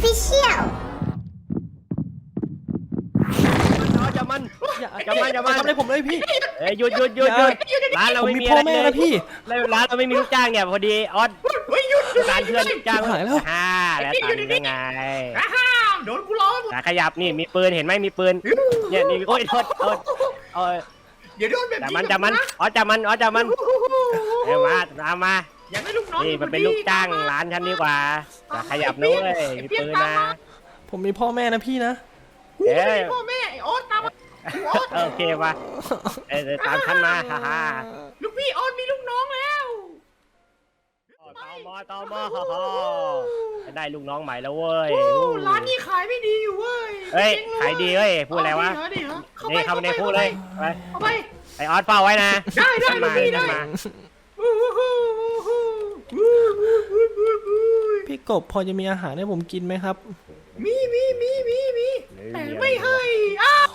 Official อย่ามันอย่าทำอะไรผมเลยพี่หยุดร้านเราผมไม่มีมีพ่ออะไรแม่เลนะยพี่ร้านเราไม่มีลูกจ้างเนี่ยพอดีออสร้านเพื่อนจ้างหายแล้วแล้วตันยังไงโดนกูล้อหมดขยับนี่มีปืนเห็นไหมมีปืนเนี่ยนี่โอ้ยโทษโอ้ยเดี๋ยวโดนแบบจับนี้มันจับมันอ๋อจับมันเอ้มาอยากได้ลูกน้องนี่มันเป็นลูกจ้างร้านฉันดีกว่าขยับนู้นเลยมีปืนนะผมมีพ่อแม่นะพี่นะกูไม่ได้พ่อแม่ไอ้โอ๊ตตามมาโอ๊ตโอเคป่ะตามฉันมาฮ่าลูกพี่โอ๊ตมีลูกน้องแล้วตมได้ลูกน้องใหม่แล้วเว้ยร้านนี้ขายไม่ดีอยู่เว้ยเฮ้ยขายดีเว้ยพูดอะไรวะ นี่เข้าไปในพูดเลยไปเข้าไปไอออสเฝ้าไว้นะได้ลูกพี่ได้พี่กบพอจะมีอาหารให้ผมกินไหมครับมีแต่ไม่ให้อ้าว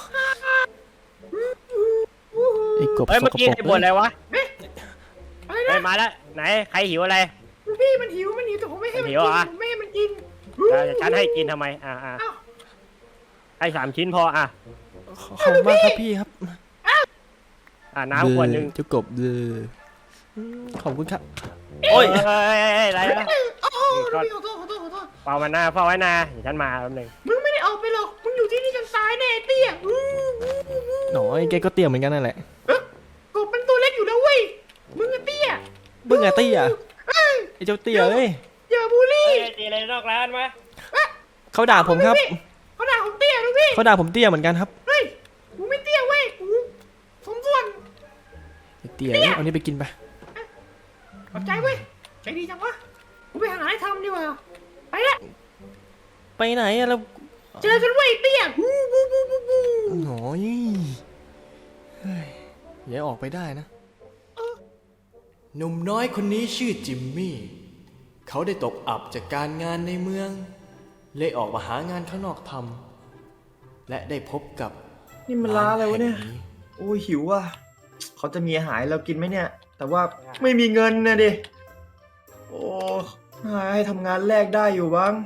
ไอ้กบเฮ้ยสเมื่อก กี้ปรกไอ้บ่นอะไรวะอะไรเฮ้ยนะมาแล้วไหนใครหิวอะไรลูกพี่มันหิวแต่ผมไม่ให้มันกินผมไม่ให้มันกินฉันให้กินทำไมให้3 ชิ้นพอขอบคุณมากครับพี่ครับน้ำขวดนึงเจ้ากบขอบคุณครับโอ้ยอะไรนะโอ้ขอโทษเฝ้ามันหน้าเฝ้าไว้นะเดี๋ยวฉันมาแป๊บนึงมึงไม่ได้ออกไปหรอกมึงอยู่ที่นี่จนตายแน่เตี้ยหน่อยแกก็เตี้ยเหมือนกันนั่นแหละกบมันตัวเล็กอยู่แล้วเว้ยมึงเตี้ยเบื่อเตี้ยไอ้เจ้าเตี้ยเอ้ยอย่าบูลลี่ตีอะไรนอกร้านมาเขาด่าผมครับเขาด่าผมเตี้ยลูกพี่เขาด่าผมเตี้ยเหมือนกันครับเฮ้ยกูไม่เตี้ยเว้ยกูสมส่วนไอ้เตี้ยเอานี่ไปกินไปขอบใจเว้ยใจดีจังวะกูไปหาอะไรทำดีกว่าไปละไปไหนอะแล้วเจอกันเว้ยเตี้ยหน่อยเฮ้ยอย่าออกไปได้นะหนุ่มน้อยคนนี้ชื่อจิมมี่เขาได้ตกอับจากการงานในเมืองเลยออกมาหางานข้างนอกทำและได้พบกับนี่มันร้านอะไรวะเนี่ยแห่งโอ้ยหิวว่ะเขาจะมีอาหารให้เรากินไหมเนี่ย แต่ว่าไม่มีเงินนะดิ โอ้ให้ทำงานแรกได้อยู่บ้าง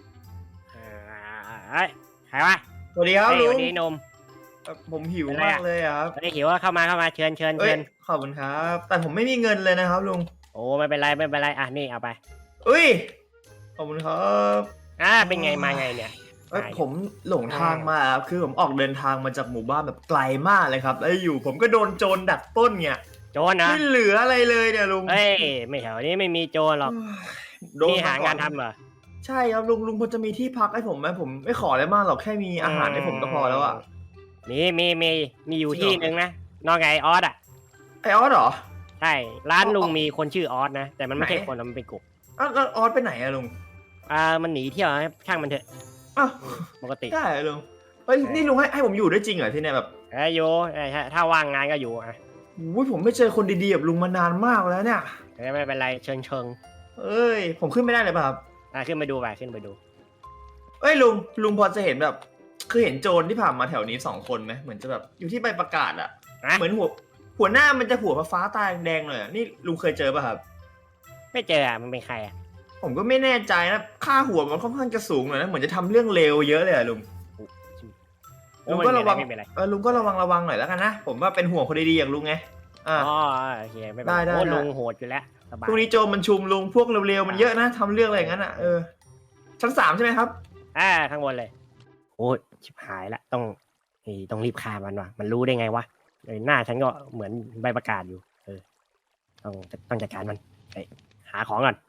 ใครวะสวัสดีครับลุวังนนี้นมผมหิวมากเลยอะครับวันนี้หิวว่าเข้ามาเชิญเอ้ยขอบคุณครับ แต่ผมไม่มีเงินเลยนะครับลุงโอ้ไม่เป็นไรนี่เอาไปเอ้ย ขอบคุณครับเป็นไงมาไงเนี่ยผมหลงทางมาครับคือผมออกเดินทางมาจากหมู่บ้านแบบไกลมากเลยครับ แล้วอยู่ผมก็โดนโจรดักปล้นเนี่ยโจรนะไม่เหลืออะไรเลยเนี่ยลุงเฮ้ยไม่แถวนี้ไม่มีโจรหรอกโดนนี่มหางานก่อทำเหรอใช่ครับลุงพอจะมีที่พักให้ผมไหมผมไม่ขออะไรมากหรอกแค่มีอาหารให้ผมก็พอแล้วอะมีอยู่ที่นึงนะนอกไงออสอ่ะไอออสเหรอใช่ร้านลุงมีคนชื่อออสนะแต่มันไม่ใช่คนมันเป็นกลุ่มอ้าวแล้วออสไปไหนอะลุงมันหนีเที่ยวนะช่างมันเถอะอ้าวปกติได้เหรอลุงเฮ้ยนี่ลุงให้ผมอยู่ได้จริงเหรอที่เนี่ยแบบอยู่ถ้าว่างงานก็อยู่อุ้ยผมไม่เจอคนดีๆแบบลุงมานานมากแล้วเนี่ยไม่เป็นไรเชิงเอ้ยผมขึ้นไม่ได้เลยป่ะครับขึ้นไปดูขึ้นไปดูเอ้ยลุงพอจะเห็นแบบคือเห็นโจรที่ผ่านมาแถวนี้2 คนไหมเหมือนจะแบบอยู่ที่ใบประกาศอะเหมือนหัวหน้ามันจะหัวฟ้าตาแดงเลยอะนี่ลุงเคยเจอป่ะครับไม่เจอมันเป็นใครอ่ะผมก็ไม่แน่ใจนะค่าหัวมันค่อนข้างจะสูงหน่อยนะเหมือนจะทำเรื่องเลวเยอะเลยอะลุงลุงก็ระวังไม่เป็นไรลุงก็ระวังหน่อยแล้วกันนะผมว่าเป็นห่วงคนดีๆอย่างลุงไงโอเคไม่เป็นไรโอ้ลุงโหดอยู่แล้วสบายพวกนี้โจรมันชุมลุงพวกเร็วๆมันเยอะนะทำเรื่องอะไรอย่างนั้นอ่ะชั้น 3ใช่ไหมครับข้างบนเลยโอ้ชิบหายละต้องรีบฆ่ามันว่ะมันรู้ได้ไงวะหน้าฉันก็เหมือนใบประกาศอยู่ต้องจัดการมันไปหาของก่อน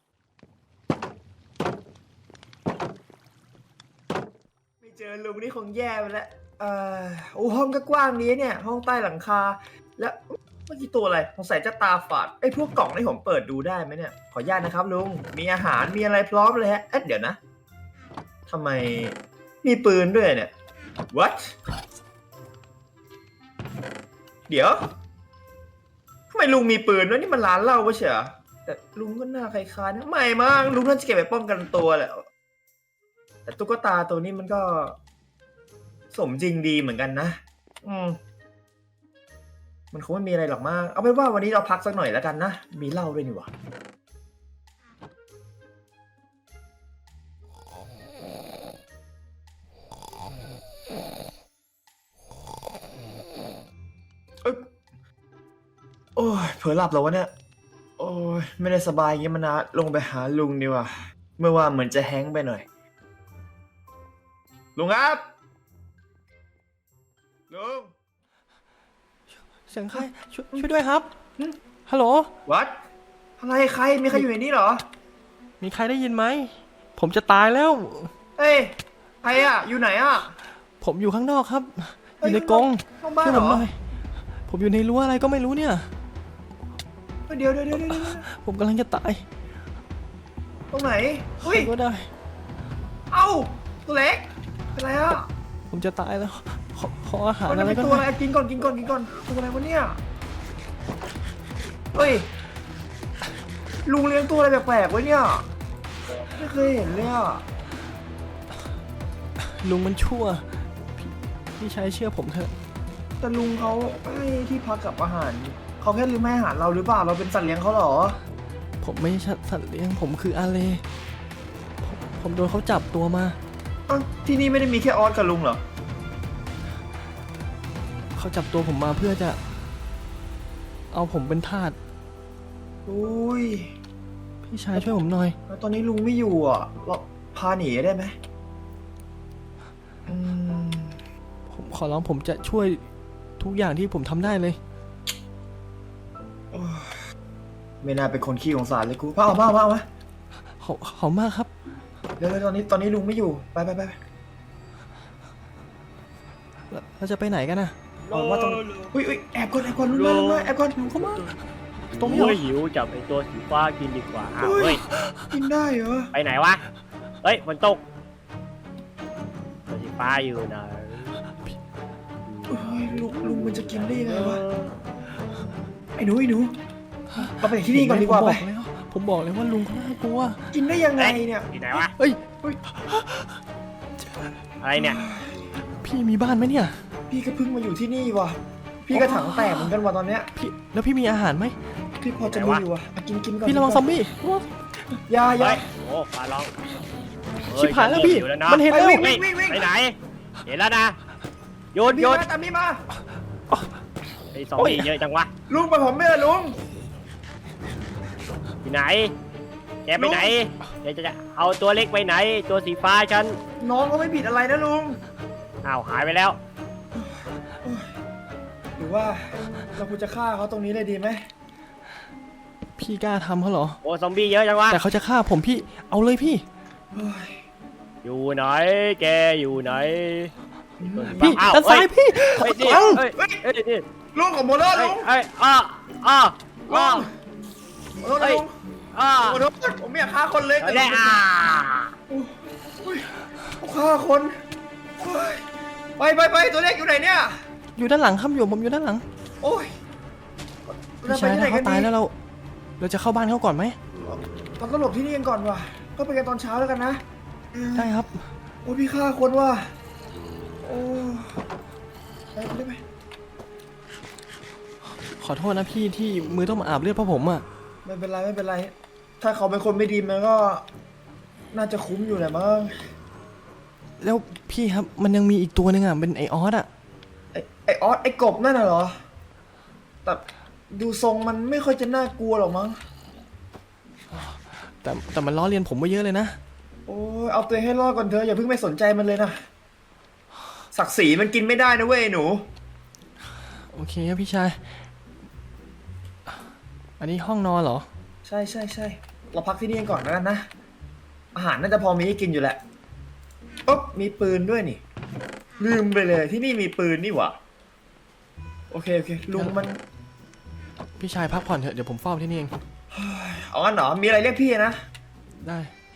ไม่เจอลุงนี่คงแย่ไปแล้วโอ้ห้องก็กว้างนี้เนี่ยห้องใต้หลังคาแล้วเมื่อกี้ตัวอะไรสงสัยจะตาฝาดไอ้พวกกล่องนี่ผมเปิดดูได้ไหมเนี่ยขออนุญาตนะครับลุงมีอาหารมีอะไรพร้อมเลยฮะเดี๋ยวนะทำไมมีปืนด้วยเนี่ย what เดี๋ยวทำไมลุงมีปืนด้วยนี่มันร้านเหล้าปะเชียวแต่ลุงก็หน้าคล้ายๆนะไม่มั้งลุงน่าจะเก็บไปป้องกันตัวแหละแต่ตุ๊กตาตัวนี้มันก็สมจริงดีเหมือนกันนะมันคงไม่มีอะไรหรอกมากเอาเป็นว่าวันนี้เราพักสักหน่อยแล้วกันนะมีเหล้าด้วยนี่หว่าเผลอหลับแล้ววะเนี่ย โอ้ยไม่ได้สบายอย่างเงี้ยมานานลงไปหาลุงดีกว่าเมื่อว่าเหมือนจะแฮงก์ไปหน่อย ลุงครับ ลุงเสียงใครช่วยด้วยครับ ฮัลโหลวัด อะไรใคร มีใครอยู่ในนี้เหรอมีใครได้ยินไหม ผมจะตายแล้วเฮ้ย ใครอะอยู่ไหนอะผมอยู่ข้างนอกครับ อเฮ้ยยู่ในกรงข้างบ้านช่วยเหรผมอหน่อย ผมอยู่ในรั้วอะไรก็ไม่รู้เนี่ยเดี๋ยวผมกำลังจะตายตรงไหนเฮ้ยก็ได้เอ้าตัวเล็กเป็นไรอะผมจะตายแล้ว ขออาหารมันอะไรเป็นก็ตัวอะไรได้กินก่อนตัวอะไรวะเนี่ยเฮ้ยลุงเลี้ยงตัวอะไรแปลกๆไว้เนี่ยไม่เคยเห็นเลยอะลุงมันชั่ว พี่ชายเชื่อผมเถอะแต่ลุงเขาให้ที่พักกับอาหารเขาแค่ลืมให้อาหารเราหรือเปล่าเราเป็นสัตว์เลี้ยงเขาเหรอผมไม่ใช่สัตว์เลี้ยง ผมคืออาเลผมโดนเขาจับตัวมาอ้าวที่นี่ไม่ได้มีแค่ออสกับลุงเหรอเขาจับตัวผมมาเพื่อจะ เอาผมเป็นทาสอุ้ยพี่ชายช่วยผมหน่อยแล้วตอนนี้ลุงไม่อยู่อ่ะเราพาหนีได้ไหมอืมผมขอร้องผมจะช่วยทุกอย่างที่ผมทำได้เลยไม่น่าเป็นคนขี้สงสารเลยกูเอามาขอบมากครับเดี๋ยวตอนนี้ลุงไม่อยู่ไปเราจะไปไหนกันนะออกมาตรงอุ้ยแอบก่อนลุงมาแอบก่อนลุงเข้ามาตรงนี้เหรโอ้อยหิวจับไอตัวสีฟ้ากินดีกว่าอ้าวเฮ้เฮ้ยยกินได้เหรอไปไหนวะ เฮ้ยฝนตกตัวสีฟ้าอยู่ไหนเฮ้ยลุงมันจะกินได้ยังไงวะไอ้หนูเราไปที่นี่ก่อนดีกว่าไปผมบอกเลยว่าลุงเขาน่ากลัวกินได้ยังไงเนี่ยอยู่ไหนวะเฮ้ยอะไรเนี่ยพี่มีบ้านไหมเนี่ยพี่ก็เพิ่งมาอยู่ที่นี่ว่ะพี่ก็ถังแตกเหมือนกันว่ะตอนเนี้ยแล้วพี่มีอาหารไหมพี่พอจะมีอยู่ว่ะกินก่อนพี่ระวังซอมบี้ยาเฮ้ย โอ้ปลาร้องเฮ้ชิบหายแล้วพี่หิวนะมันเห็นแล้ววิ่งเฮ้ยไปไหน เห็นแล้วนะหยุดตามพี่มาไอ้ซอมบี้เยอะจังวะลุงไปผมไม่ได้ลุงอยู่ไหน แกไปไหนแกจะเอาตัวเล็กไปไหน ตัวสีฟ้าฉันน้องก็ไม่ผิดอะไรนะลุงอ้าวหายไปแล้วหรือว่าเราควรจะฆ่าเขาตรงนี้เลยดีไหมพี่กล้าทำเขาเหรอโอ้ซอมบี้เยอะจังวะแต่เขาจะฆ่าผมพี่ เอาเลยพี่เฮ้ยอยู่ไหน แกอยู่ไหนพี่อ้าวด้านซ้ายพี่เฮ้ยนี่เอ้าเฮ้ยเฮ้ยนี่ลุงของโมเลอร์เฮ้ลุยงเฮ้ยอ้ออ้ออ้อขอโทษนะลุงอ้อขอโทษผมไม่อยากฆ่าคนเลยเอาได้อ่าอุ้ยฆ่าคนเฮ้ยไปตัวเล็กอยู่ไหนเนี่ยอยู่ด้านหลังครับผมอยู่ด้านหลังโอ้ยพี่ชายถ้าเขาตายแล้วเราจะเข้าบ้านเขาก่อนไหมเราก็หลบที่นี่กันก่อนว่ะก็ไปกันตอนเช้าแล้วกันนะได้ครับโอ้ยพี่ฆ่าคนว่ะโอ้ไปได้ไหมขอโทษนะพี่ที่มือต้องมาอาบเลือดเพราะผมอ่ะไม่เป็นไร ถ้าเขาเป็นคนไม่ดีมันก็น่าจะคุ้มอยู่แหละมั้งแล้วพี่ครับมันยังมีอีกตัวหนึงอ่ะเป็นไอออสอ่ะไอออสไอกบนั่นน่ะเหรอแต่ดูทรงมันไม่ค่อยจะน่ากลัวหรอกมั้งแต่มันล้อเลียนผมมาเยอะเลยนะโอ้ยเอาตัวเองให้รอดก่อนเถอะอย่าเพิ่งไม่สนใจมันเลยนะศักดิ์ศรีมันกินไม่ได้นะเว้ยหนูโอเคครับพี่ชาย อันนี้ห้องนอนเหรอใช่เราพักที่นี่กันก่อนแล้วกันนะอาหารน่าจะพอมีให้กินอยู่แหละอ๊บมีปืนด้วยนี่ ลืมไปเลยที่นี่มีปืนนี่หว่าโอเคลุงมันพี่ชายพักผ่อนเถอะเดี๋ยวผมเฝ้าที่นี่เองเอางั้นเหรอมีอะไรเรียกพี่นะได้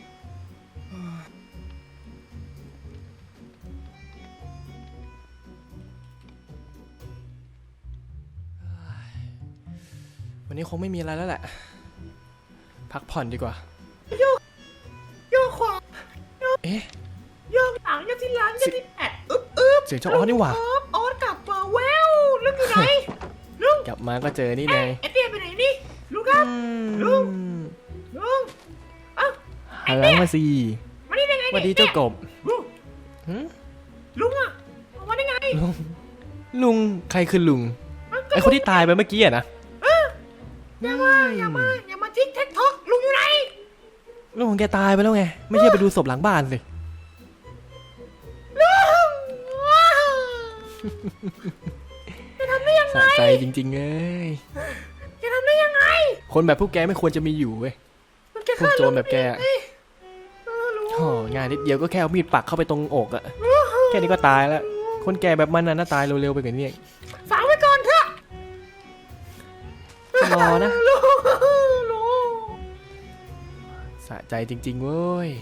วันนี้คงไม่มีอะไรแล้วแหละ พักผ่อนดีกว่าโยกขวาเอ๊ะโยกหลังโยกที่หลังโยกที่แปดอึ๊บเสียงเจ้าออสนี่หว่าออสกลับมาแววลุงอยู่ไหนลุงกลับมาก็เจอนี่ไงไอเตี้ยไปไหนนี่ลุงครับ ลุง ลุงเอ้าหันหลังมาสิมานี่ได้ไงสวัสดีเนี่ยเจ้ากบลุงหึลุงอะมาได้ไงลุงใครคือลุง ไอคนที่ตายไปเมื่อกี้อะนะอย่ามาทิ้งแท็กทอกลุงอยู่ไหนลุงของแกตายไปแล้วไง ไม่ใช่ไปดูศพหลังบ้านสิลุงจะทำได้ยังไงสะใจจริงๆเลยจะทำได้ยังไงคนแบบพวกแกไม่ควรจะมีอยู่เว้ยมันจะพวกฆ่าโจรแบบแกอะลุงโอ้งานนิดเดียวก็แค่เอามีดปักเข้าไปตรงอกอะแค่นี้ก็ตายแล้ว คนแก่แบบมันน่าตายเร็วๆไปกว่านี้เองฝากไว้ก่อนเถอะรอนะลุงสะใจจริงๆเว้ย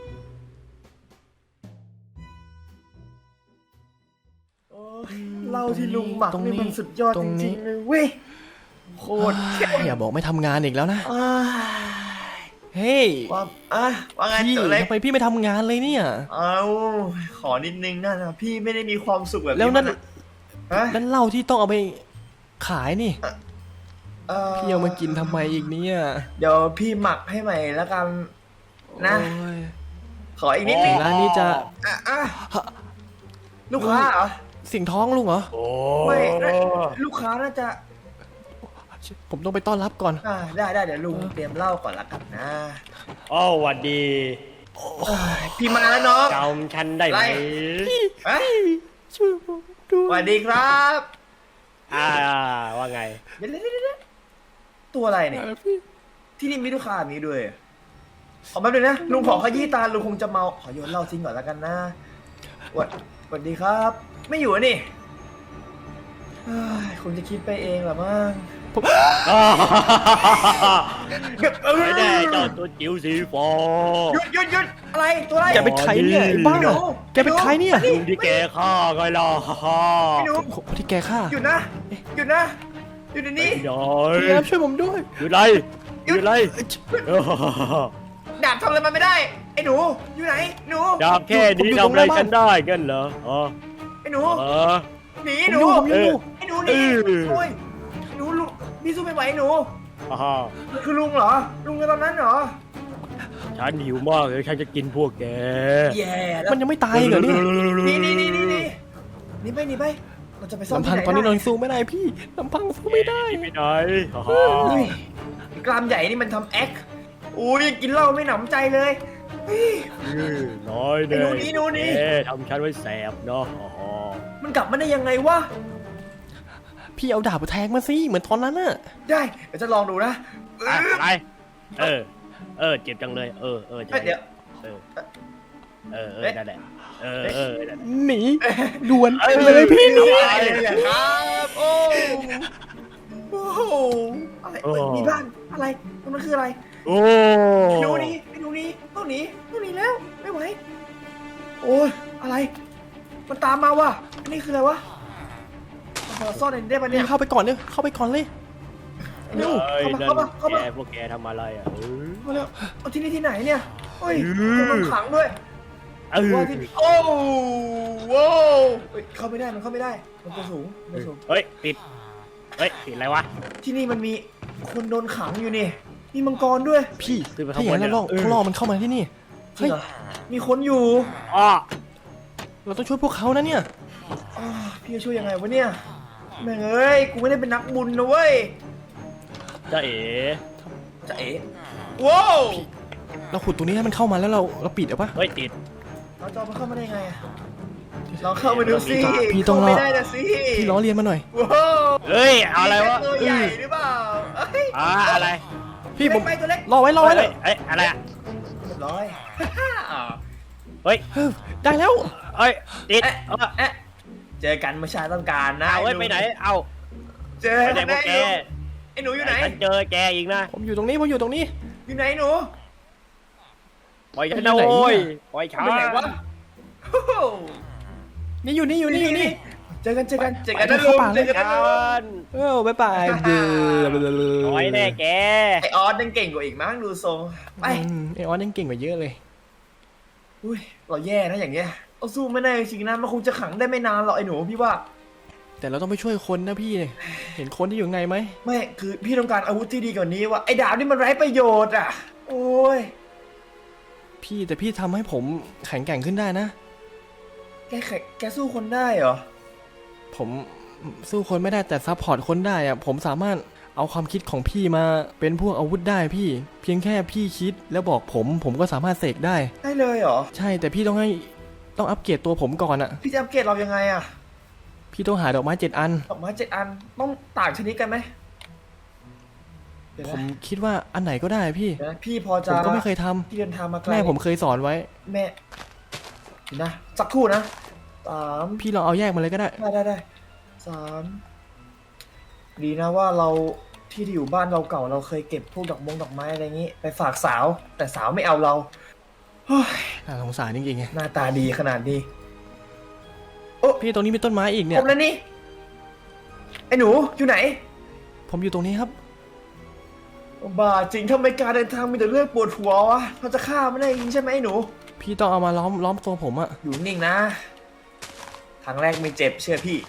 เหล้าที่ลุงหมักตรงนี่นี้มันสุดยอดตรจงนี้ริงๆเลยเว้ยโคตรเท่อย่าบอกไม่ทำงานอีกแล้วนะอ้ายเฮ้ยว่าไงพี่ตัวเล็กทำไมพี่ไม่ทำงานเลยเนี่ยเอาขอนิดนึงนะพี่ไม่ได้มีความสุขแบบแล้วนั่นฮะนั่นเหล้าที่ต้องเอาไปขายนี่เอ่อพี่เอามากินทำไมอีกเนี่ยเดี๋ยวพี่หมักให้ใหม่แล้วกันนะโอ้ยขออีกนิดนึงร้านนี้จะอ่ะลูกค้าเหรอเสียงท้องลุงเหรอโอ้ไม่ลูกค้าน่าจะผมต้องไปต้อนรับก่อนได้เดี๋ยวลุงเตรียมเหล้าก่อนละกันนะอ้าวหวัดดีพี่มาแล้วน้องจำฉันได้ไหมเอ้ยช่วยผมด้สวยวัสดีครับว่าไงเดี๋ยวตัวอะไรเนี่ยพี่ที่นี่มีลูกค้าแบบนี้ด้วยขอแป๊บนึงนะลุงขอขยี้ตาลุงคงจะเมาขอโยนเหล้าทิ้งก่อนแล้วกันนะสวัสดีครับ ไม่อยู่อะนี่เฮ้ยคงจะคิดไปเองแหละมั้งไม่ได้เจ้าตัวจิ๋วสีฟอหยุดอะไรตัวอะไรแกเป็นใครเนี่ยไอ้บ้าไอ้หนูแกเป็นใครเนี่ยลุงที่แกฆ่าไงล่ะไอ้หนูคนที่แกฆ่าหยุดนะหยุดเดี๋ยวนี้หน่อพี่ยครับช่วยผมด้วยหยุดไรหยุดไรดาบทำอะไรมันไม่ได้ ไอ้หนูอยู่ไหนหนูดาบแค่นี้ทำอะไรกันได้กันเหรออ๋อไอ้หนูเออหนีผมหนูอยู่ผมอยู่ไอ้หนูหนีเออโอ้ยหนูลุงพี่สู้ไม่ไหวหนูอ่าคือลุงเหรอลุงในตอนนั้นเหรอฉันหิวมากเลยฉันจะกินพวกแกแย่แล้วมันยังไม่ตายเหรอเนี่ยนี่ไปเราจะไปซ่อมลำพังที่ไหตอนนี้ะเรายังสู้ไม่ได้พี่ลำพังสู้ไม่ได้ไปไหนอ๋ออุ้ยกรามใหญ่นี่มันทำแอคอุ้ยกินเหล้าไม่หนำใจเลยเฮ้ยน้อยเด้ไอ้หนูหนีทำฉันไว้แสบเนาะอ๋อมันกลับมาได้ยังไงวะพี่เอาดาบมาแทงมาสิเหมือนตอนนั้นน่ะได้เดี๋ยวจะลองดูนะอะไรเจ็บจังเลยใช่เดี๋ยวนั่นแหละนั่นแหละหนีด่วนเลยพี่หนีอะไรครับโอ้โหอะไรมีบ้านอะไรตรงนั้นคืออะไรโอ้ไอ้หนูนี้ต้องหนีแล้วไม่ไหวโอ้ยอะไรมันตามมาว่ะอันนี้คืออะไรวะขอซ่อนได้ปะเนี่ยเข้าไปก่อนเลยเข้าไปก่อนเลยเร็วเข้ามาแกพวกแกทำอะไรอ่ะมาเร็วเอาที่นี่ที่ไหนเนี่ยเฮ้ยโดนขังด้วยว่าที่โอ้โว้เข้าไม่ได้มันเข้าไม่ได้มันตัวสูงเฮ้ยติดอะไรวะที่นี่มันมีคนโดนขังอยู่นี่มีมังกรด้วยพี่ขึ้นไปถ้าอย่างนั้นข้างบนเนี่ยเขาล่อมันเข้ามาที่นี่จริงเหรอมีคนอยู่อ้อเราต้องช่วยพวกเขานะเนี่ยพี่จะช่วยยังไงวะเนี่ยแม่งเอ้ยกูไม่ได้เป็นนักบุญนะเว้ยจะเอ๋จะเอ๋ว้าวเราขุดตรงนี้ให้มันเข้ามาแล้วเราปิดเอาปะเฮ้ยติดเราจะเอามันเข้ามาได้ไงอะลองเข้ามาดูสิพี่ต้องรอเข้าไม่ได้นะสิพี่ล้อเลียนมาหน่อยว้าวเฮ้ยเอาอะไรวะตัวใหญ่หรือเปล่าเอ้ยอะไรพี่ผมเล็กไปตัวเล็กรอไว้เลยเฮ้ยอะไรอ่ะเรียบร้อยเฮ้ยได้แล้วเฮ้ยติดเอ๊ะเจอกันเมื่อชาต้องการนะเอาไว้ไปไหนเอาเจอไปไหนพวกแกไอ้หนูอยู่ไหนฉันเจอแกอีกนะผมอยู่ตรงนี้ผมอยู่ตรงนี้อยู่ไหนหนูปล่อยฉันนะโว้ยปล่อยฉันไปไหนวะโอ้โหนี่อยู่นี่เจอกันนะเข้าลุงป่าเลยเจอกันนะลุงบ๊ายบายปล่อยแน่แกไอออสยังเก่งกว่าอีกมั้งดูทรงไปไอออนยังเก่งกว่าเยอะเลยอุ้ยเราแย่นะอย่างเงี้ยเราสู้ไม่ได้จริงๆนะมันคงจะขังได้ไม่นานหรอกไอ้หนูพี่ว่าแต่เราต้องไปช่วยคนนะพี่ เห็นคนที่อยู่ข้างในไหมไม่คือพี่ต้องการอาวุธที่ดีกว่านี้ว่ะไอ้ดาบนี่มันไร้ประโยชน์อ่ะโอ้ยพี่แต่พี่ทำให้ผมแข็งแกร่งขึ้นได้นะแกสู้คนได้เหรอผมสู้คนไม่ได้แต่ซัพพอร์ตคนได้อะผมสามารถเอาความคิดของพี่มาเป็นพวกอาวุธได้พี่ เพียงแค่พี่คิดแล้วบอกผมก็สามารถเสกได้ได้เลยเหรอใช่แต่พี่ต้องอัปเกรดตัวผมก่อนอะพี่จะอัปเกรดเรายังไงอะพี่ต้องหาดอกไม้7 อันดอกไม้7 อันต้องต่างชนิดกันไหมเดี๋ยวผนะมคิดว่าอันไหนก็ได้พี่เดี๋ยวนะพี่พอผจะมก็ไม่เคยทำพี่เดินทางมาไกลแม่ผมเคยสอนไว้แม่เดี๋ยวนะสักครู่นะ3 พี่ลองเอาแยกมาเลยก็ได้ได้3ดีนะว่าเราที่อยู่บ้านเราเก่าเราเคยเก็บพวกดอกไม้อะไรอย่างนี้ ไปฝากสาว แต่สาวไม่เอาเราเฮ้ยน่าสงสารจริงๆไงหน้าตาดีขนาดนี้พี่ตรงนี้มีต้นไม้อีกผเนี่ยมแล้วนี่ไอ้หนูอยู่ไหนผมอยู่ตรงนี้ครับบ้าจริงทำไมการเดินทางมีแต่เรื่องปวดหัววะเราจะฆ่าไม่ได้จริงใช่ไหมไอ้หนูพี่ต้องเอามาล้อมตัวผมอะอยู่นิ่งนะครั้งแรกไม่เจ็บเชื่อพี่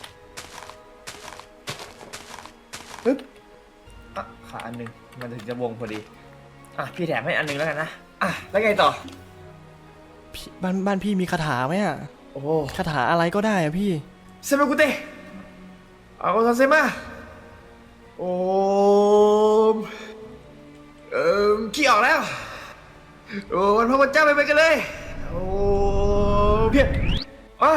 ปึ๊บอ่ะขาอันหนึ่งมันถึงจะวงพอดีอ่ะพี่แถมให้อันหนึ่งแล้วกันนะอ่ะแล้วไงต่อพี่บ้านพี่มีคาถาไหมอะโอ้คาถาอะไรก็ได้อะพี่เซมากุเตะเอาซาเซมาโอมขี้ออกแล้วโอ้วันพระพุทธเจ้าไปกันเลยโอ้เพียบอ่ะ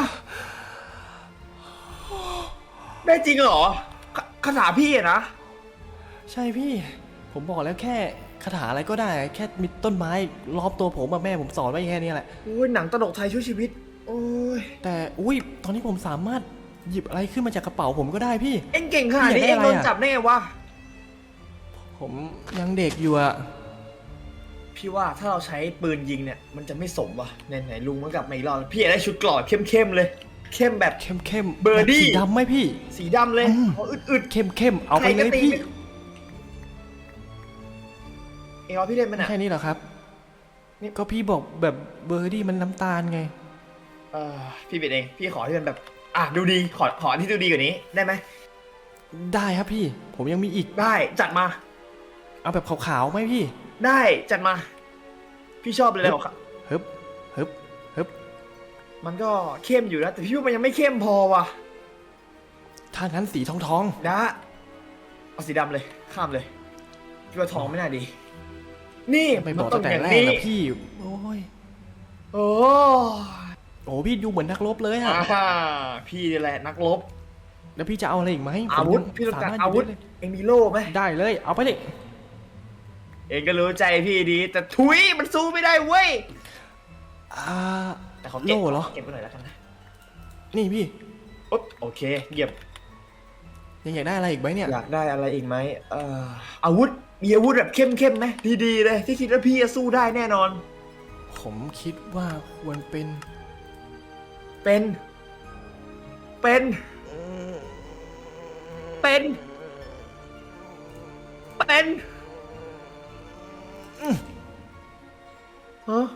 ได้จริงเหรอคาถาพี่อะนะใช่พี่ ผมบอกแล้วแค่คาถาอะไรก็ได้ แค่มีต้นไม้ล้อมตัวผมอะแม่ผมสอนไว้แค่นี้แหละโอ้ยหนังตลกไทยช่วยชีวิตโอ้ยแต่อุ้ยตอนนี้ผมสามารถหยิบอะไรขึ้นมาจากกระเป๋าผมก็ได้พี่เอ็งเก่งขนาดนี้พี่อยาเอ็กงได้อะไรอะโดนจับได้ไงวะผมยังเด็กอยู่อะพี่ว่าถ้าเราใช้ปืนยิงเนี่ยมันจะไม่สมว่ะไหนลุงมันกลับมาอีกรอบพี่อยากได้ชุดเกราะเข้มๆเลย เข้มแบบเข้มเบอร์ดี้สีดำไหมพี่สีดำเลยอืมเอาอึดเข้มเอาๆไปเลยพี่เอ็งเอาพี่เล่นมันอ่ะแค่นี้เหรอครับนี่ก็พี่บอกแบบเบอร์ดี้มันน้ำตาลไงพี่เป็นเองพี่ขอที่มันแบบดูดีขอที่ดูดีกว่านี้ได้ไหมได้ครับพี่ ผมยังมีอีกได้จัดมาเอาแบบขาวๆไหมพี่ได้จัดมา พี่ชอบเลยครับฮึบฮึบฮึบมันก็เข้มอยู่นะแต่พี่ว่ามันยังไม่เข้มพอว่ะถ้างั้นสีทองนะเอาสีดำเลยข้ามเลยพี่ว่าทองไม่น่าดี นี่ไปบอกตั้งแต่แรกนะพี่ โอ้ยโอ้โอ้พี่ดูเหมือนนักรบเลยอะพี่นี่แหละนักรบแล้วพี่จะเอาอะไรอีกไหมอาวุธผมพี่ต้องการสมถอาวุธหยิบเอ็งมีโล่ไหมได้เลย เอาไปเลยเอ็งก็รู้ใจพี่ดีแต่ทุยมันสู้ไม่ได้เว้ย แต่เขาเก็บโล่เหรอเก็บไปหน่อยแล้วกันนะนี่พี่อุ๊บโอเคเยี่ยมยังอยากได้อะไรอีกไหมเนี่ยอยากได้อะไรอีกไหมอาวุธมีอาวุธแบบเข้มไหมดีๆเลยที่คิดว่าพี่จะสู้ได้แน่นอนผมคิดว่าควรเป็นเป็นฮะ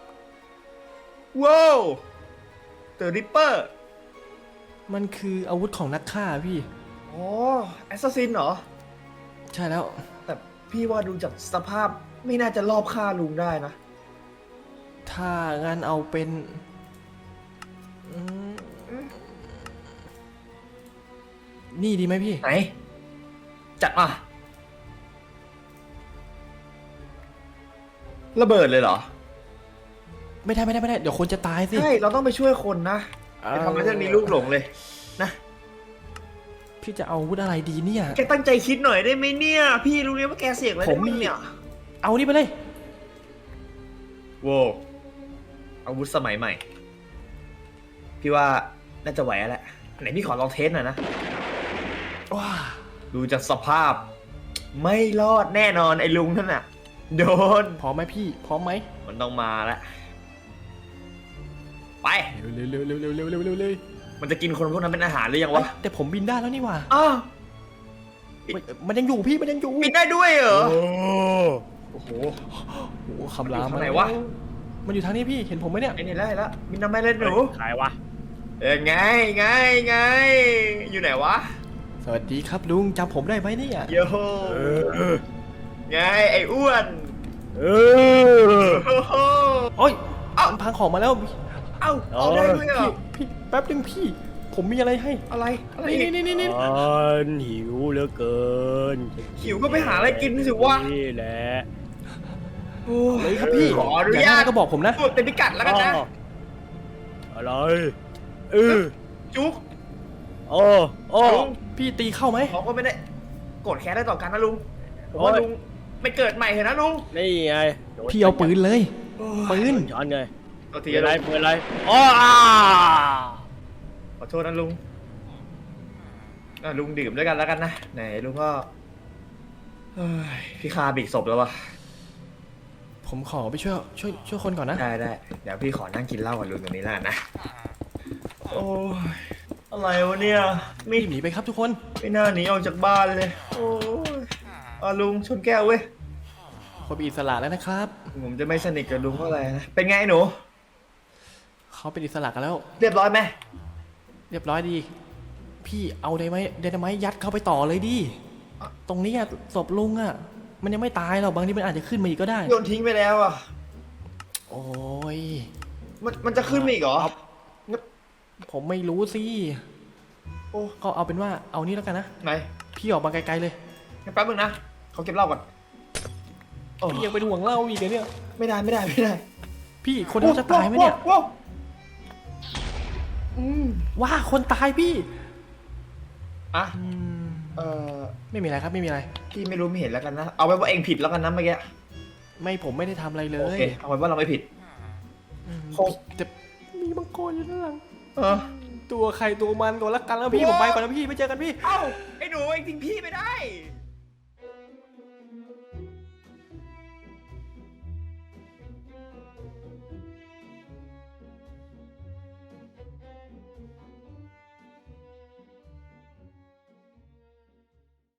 ว้าวเดอะริปเปอร์มันคืออาวุธของนักฆ่าพี่อ๋อแอสซัสซินเหรอใช่แล้วแต่พี่ว่าดูจากสภาพไม่น่าจะรอบฆ่าลุงได้นะถ้างั้นเอาเป็นนี่ดีไหมพี่ไหน จัดมาระเบิดเลยเหรอไม่ได้เดี๋ยวคนจะตายสิใช่ เราต้องไปช่วยคนนะไปทำให้ท่านมีลูกหลงเลยนะพี่จะเอาอาวุธอะไรดีเนี่ยแกตั้งใจคิดหน่อยได้ไหมเนี่ย พี่รู้เลยว่าแกเสี่ยงอะไรผมมีเนี่ยเอานี่ไปเลยโว้อาวุธสมัยใหม่ พี่ว่าน่าจะไหวแล้วแหละอันไหนพี่ขอลองเทสหน่อยนะว้าดูจากสภาพ ไม่รอดแน่นอนไอ้ลุงนั่นน่ะ โดนพร้อมไหมพี่ พร้อมไหมมันต้องมาแล้วไปเร็วมันจะกินคนพวกนั้นเป็นอาหารหรือยังวะแต่ผมบินได้แล้วนี่หว่าอ้าวมันยังอยู่พี่ มันยังอยู่บินได้ด้วยเหรอ โอ้โหโอ้โหคำรามมันอยู่ทางไหนวะมันอยู่ทางนี้พี่ เห็นผมไหมเนี่ยไอ้นี่แล้วบินทำไมเล่นหนูใครวะไง อยู่ไหนวะสวัสดีครับลุงจำผมได้ไหมเนี่ยโยไงไอ้อ้วนเออโอ้โหโอ้ยเอ้ามันพังของมาแล้วเอ้าออกได้ด้วยเหรอพี่แป๊บนึงพี่ผมมีอะไรให้อะไรอะไรนี่อีกนี่ฉันหิวเหลือเกินหิวก็ไปหาอะไรกินสิวะนี่แหละโอ้เลยครับพี่ขออนุอยากญาได้ตก็บอกผมนะพูดเต็มพิกัดแล้วกันนะอะไรเออจุ๊กโอ้โอ้ลุงพี่ตีเข้าไหมเขาก็ไม่ได้โกรธแค้นได้ต่อกันนะลุงผมว่าลุงไม่เกิดใหม่เถอะนะลุงนี่ไงพี่เอาปืนเลย ปืนช้อนเลยตัวทีเปิดอะไรลุงเปิดอะไรอ๋อขอโทษนะลุงลุงดื่มด้วยกันแล้วกันนะไหนลุงก็เฮ้ยพี่คาบีกศพแล้ววะผมขอไปช่วยคนก่อนนะได้เดี๋ยวพี่ขอนั่งกินเหล้ากับลุงตรงนี้แล้วกันนะโอ้ยอะไรวะเนี่ยไม่รีบหนีไปครับทุกคนไม่น่าหนีออกจากบ้านเลยโอ้ยลุงชนแก้วเว้ยคนเป็นอิสระแล้วนะครับผมจะไม่สนิทกับลุงเท่าไหร่นะเป็นไงหนูเขาเป็นอิสระกันแล้วเรียบร้อยไหมเรียบร้อยดี พี่เอาไดนาไมต์ยัดเข้าไปต่อเลยดิ ตรงนี้อะศพลุงอะมันยังไม่ตายหรอก บางทีมันอาจจะขึ้นมาอีกก็ได้โยนทิ้งไปแล้วอ่ะโอ้ยมันจะขึ้นมาอีกเหรอผมไม่รู้สิโอ้ก็เอาเป็นว่าเอานี่แล้วกันนะไหนพี่ออกมาไกลๆเลยแป๊บนึงนะเขาเก็บเหล้าก่อนโอ้พี่ยังเป็นห่วงเล่าอีกเหรอเนี่ยไม่ได้พี่คนเขาจะตายไหมเนี่ยโอ้อืมว่าคนตายพี่อ่ะอืมเออไม่มีอะไรครับไม่มีอะไรพี่ไม่รู้ไม่เห็นแล้วกันนะเอาไว้ว่าเองผิดแล้วกันนะเมื่อกี้ไม่ผมไม่ได้ทำอะไรเลโอย เคเอาไว้ว่าเราไม่ผิดอืมโอ้แต่มีมังกรอยู่ด้านหลังเออตัวใครตัวมันก่อนละกันแล้วพี่ผมไปก่อนนะพี่ไม่เจอกันพี่เอ้าไอ้หนูเองทิ้งพี่ไม่ได้